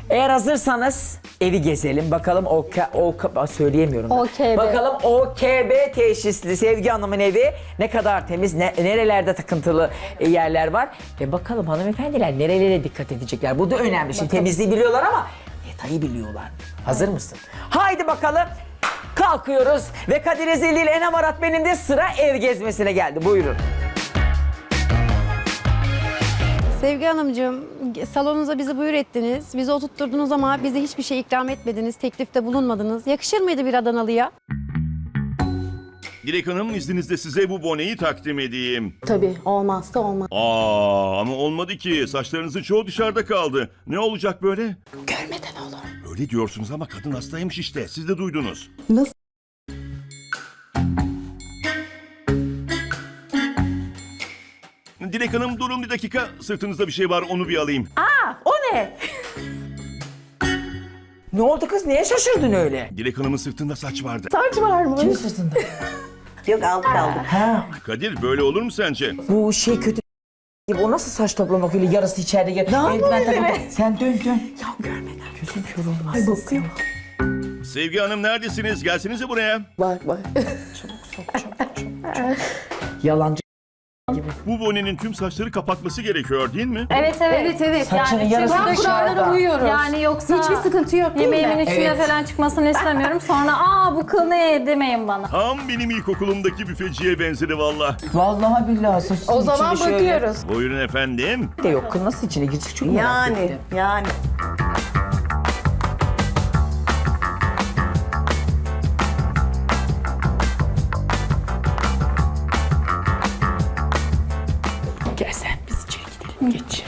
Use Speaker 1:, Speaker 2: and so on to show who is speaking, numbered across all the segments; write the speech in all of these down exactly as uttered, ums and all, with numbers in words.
Speaker 1: Eğer hazırsanız evi gezelim. Bakalım o, o söyleyemiyorum.
Speaker 2: O K B.
Speaker 1: Bakalım O K B teşhisli Sevgi Hanım'ın evi ne kadar temiz, ne, nerelerde takıntılı yerler var. Ve bakalım hanımefendiler nerelere dikkat edecekler. Bu da önemli. Şimdi temizliği biliyorlar ama detayı biliyorlar. Hazır mısın? Haydi bakalım. Kalkıyoruz ve Kadir Ezeli ile Enem Arat benim de sıra ev gezmesine geldi. Buyurun.
Speaker 3: Sevgi Hanımcığım, salonunuza bizi buyur ettiniz. Bizi oturtturdunuz ama bize hiçbir şey ikram etmediniz, teklifte bulunmadınız. Yakışır mıydı bir Adanalı'ya?
Speaker 4: Dilek Hanım, izninizle size bu boneyi takdim edeyim.
Speaker 2: Tabii olmazsa olmaz.
Speaker 4: Aa, ama olmadı ki. Saçlarınızın çoğu dışarıda kaldı. Ne olacak böyle?
Speaker 2: Görmeden olur.
Speaker 4: Öyle diyorsunuz ama kadın hastaymış işte. Siz de duydunuz.
Speaker 2: Nasıl?
Speaker 4: Dilek Hanım, durun bir dakika. Sırtınızda bir şey var, onu bir alayım.
Speaker 1: O ne? Ne oldu kız? Niye şaşırdın öyle?
Speaker 4: Dilek Hanım'ın sırtında saç vardı.
Speaker 2: Saç var mı?
Speaker 1: Kimin sırtında?
Speaker 5: Yok aldık aldık.
Speaker 1: Ha,
Speaker 4: Kadir, böyle olur mu sence?
Speaker 1: bu şey kötü gibi. O nasıl saç toplamak öyle yarısı içeride gel. Eldiven takıp- Sen dön dön. Ya görmeden. Gözüm kör olmaz. Ay bakıyor.
Speaker 4: Sevgi Hanım, neredesiniz? Gelsenize buraya.
Speaker 2: Bak bak.
Speaker 1: Yalancı.
Speaker 4: Bu bonenin tüm saçları kapatması gerekiyor değil mi?
Speaker 6: Evet evet.
Speaker 2: Evet evet.
Speaker 1: Saçının
Speaker 6: Yani
Speaker 1: yarısı
Speaker 6: çünkü
Speaker 1: dışarıda.
Speaker 2: Kurallara uyuyoruz.
Speaker 6: Yani yoksa
Speaker 2: Hiçbir sıkıntı yok değil
Speaker 6: yemeğimin
Speaker 2: mi?
Speaker 6: içine
Speaker 1: Evet.
Speaker 6: falan çıkmasını istemiyorum. Sonra aa bu kıl ne demeyin bana.
Speaker 4: Tam benim ilkokulumdaki büfeciye benzedi valla.
Speaker 1: Vallahi billahi. Sus,
Speaker 2: O zaman
Speaker 1: içinde şöyle-
Speaker 2: bakıyoruz.
Speaker 4: Buyurun efendim.
Speaker 1: De yok kız nasıl içine girecek çok merak
Speaker 5: Yani
Speaker 1: ettim.
Speaker 5: yani.
Speaker 1: Gel sen biz içeri gidelim. Geç.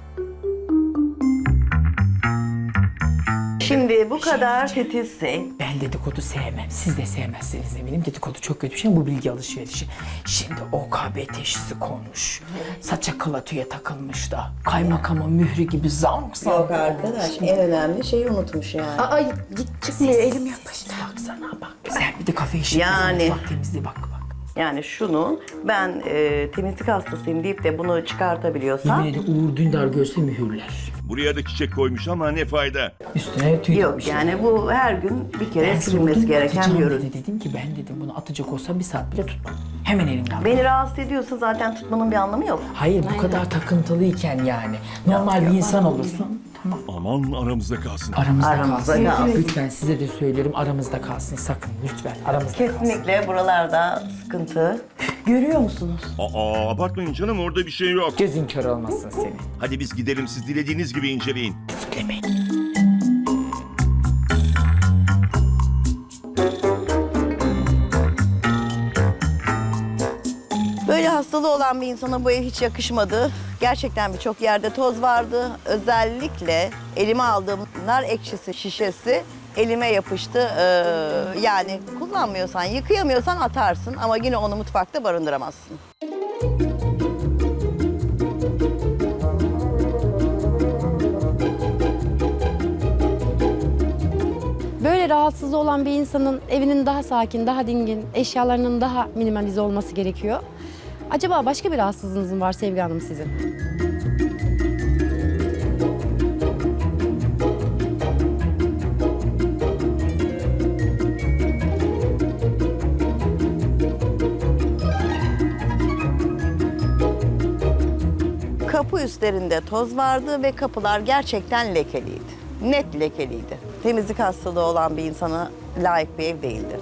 Speaker 5: Şimdi bu kadar titizse
Speaker 1: Ben dedikodu sevmem. Siz de sevmezsiniz eminim. Dedikodu çok kötü bir şey. Bu bilgi alışverişi. Şimdi O K B teşhisi konmuş. Saça kılatüye takılmış da. Kaymakamın mührü gibi zank zank.
Speaker 5: yok arkadaş en önemli şeyi unutmuş yani.
Speaker 2: Ay git çıkmıyor elim yapıştı.
Speaker 1: Baksana bak. Sen bir de kafe işi.
Speaker 5: Yani.
Speaker 1: Bak temizliğe bak bak.
Speaker 5: Yani şunu ben e, temizlik hastasıyım deyip de bunu çıkartabiliyorsam
Speaker 1: Yemin ederim Uğur Dündar görse mühürler.
Speaker 4: Buraya da çiçek koymuş ama ne fayda.
Speaker 1: Üstüne tüy
Speaker 5: yok
Speaker 1: dikmiş.
Speaker 5: yani bu her gün bir kere
Speaker 1: Ben
Speaker 5: silinmesi
Speaker 1: sordum,
Speaker 5: gereken
Speaker 1: atacağım
Speaker 5: bir ürün.
Speaker 1: dedi. Dedim ki ben dedim bunu atacak olsam bir saat bile tutmam. Hemen elimden aldım.
Speaker 5: Beni rahatsız ediyorsa zaten tutmanın bir anlamı yok.
Speaker 1: Hayır bu kadar takıntılıyken yani. Normal bir insan olursun. Tamam.
Speaker 4: Aman aramızda kalsın.
Speaker 1: Aramızda,
Speaker 5: Aramızda
Speaker 1: kalsın.
Speaker 5: kalsın.
Speaker 1: Lütfen size de söylüyorum aramızda kalsın sakın lütfen aramızda kalsın.
Speaker 5: Kesinlikle buralarda sıkıntı. Görüyor musunuz?
Speaker 4: Aa, abartmayın canım, orada bir şey yok.
Speaker 1: Gözün kör olmasın senin.
Speaker 4: Hadi biz gidelim, siz dilediğiniz gibi inceleyin.
Speaker 1: Demeyin.
Speaker 5: Böyle hastalığı olan bir insana bu ev hiç yakışmadı. Gerçekten birçok yerde toz vardı. Özellikle elime aldığım nar ekşisi şişesi elime yapıştı. Ee, yani kullanmıyorsan, yıkayamıyorsan atarsın ama yine onu mutfakta barındıramazsın.
Speaker 3: Böyle rahatsızlığı olan bir insanın evinin daha sakin, daha dingin, eşyalarının daha minimalize olması gerekiyor. Acaba başka bir rahatsızlığınız mı var Sevgi Hanım sizin?
Speaker 5: Kapı üstlerinde toz vardı ve kapılar gerçekten lekeliydi. Net lekeliydi. Temizlik hastalığı olan bir insana layık bir ev değildi.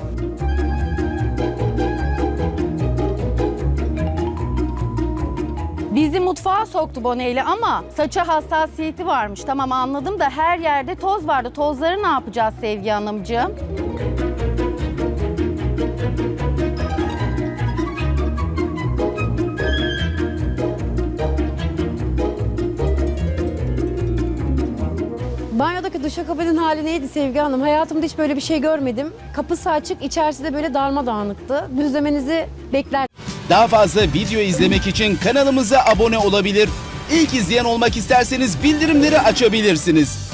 Speaker 7: Bizi mutfağa soktu boneyle ama saça hassasiyeti varmış. Tamam anladım da her yerde toz vardı. Tozları ne yapacağız Sevgi Hanımcığım?
Speaker 3: Banyodaki duşakabinin hali neydi Sevgi Hanım? Hayatımda hiç böyle bir şey görmedim. Kapısı açık, içerisi de böyle darmadağınıktı. Düzlemenizi bekler.
Speaker 8: Daha fazla video izlemek için kanalımıza abone olabilir. İlk izleyen olmak isterseniz bildirimleri açabilirsiniz.